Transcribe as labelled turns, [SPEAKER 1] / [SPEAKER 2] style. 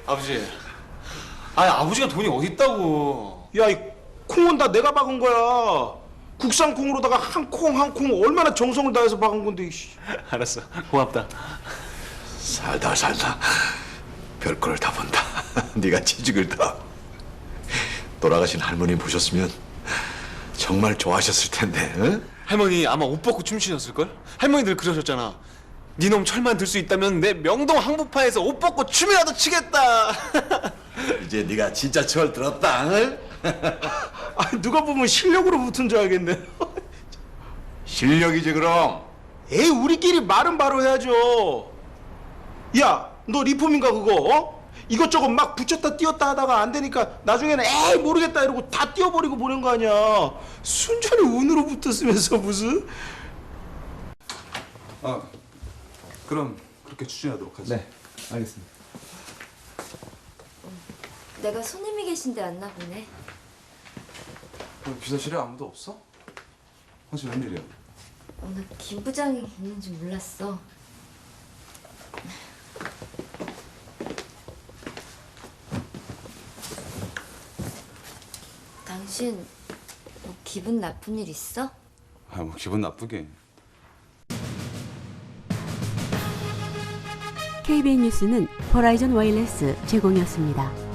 [SPEAKER 1] 아버지. 아니 아버지가 돈이 어디 있다고.
[SPEAKER 2] 야, 이 콩은 다 내가 박은 거야. 국산 콩으로다가 한 콩 한 콩 얼마나 정성을 다해서 박은 건데. 이씨.
[SPEAKER 1] 알았어. 고맙다.
[SPEAKER 3] 살다 별거를 다 본다. 네가 취직을 다. 돌아가신 할머니 보셨으면 정말 좋아하셨을 텐데. 응?
[SPEAKER 1] 할머니 아마 옷 벗고 춤추셨을걸? 할머니들 그러셨잖아. 니놈 철만 들 수 있다면 내 명동 항복파에서 옷 벗고 춤이라도 추겠다.
[SPEAKER 3] 이제 네가 진짜 철 들었다. 응?
[SPEAKER 2] 아, 누가 보면 실력으로 붙은 줄 알겠네.
[SPEAKER 3] 실력이지 그럼.
[SPEAKER 2] 에이, 우리끼리 말은 바로 해야죠. 야, 너 리폼인가 그거? 어? 이것저것 막 붙였다 띄었다 하다가 안 되니까 나중에는 에이 모르겠다 이러고 다 띄워버리고 보낸 거 아니야. 순전히 운으로 붙었으면서 무슨.
[SPEAKER 4] 아, 그럼 그렇게 추진하도록 하지.
[SPEAKER 5] 네, 알겠습니다.
[SPEAKER 6] 내가 손님이 계신데 왔나 보네.
[SPEAKER 4] 비서실에 아무도 없어? 당신 웬일이야?
[SPEAKER 6] 나 김 부장이 있는 줄 몰랐어. 당신 뭐 기분 나쁜 일 있어?
[SPEAKER 4] 아, 뭐 기분 나쁘게.
[SPEAKER 7] KBN 뉴스는 호라이즌 와이어리스 제공이었습니다.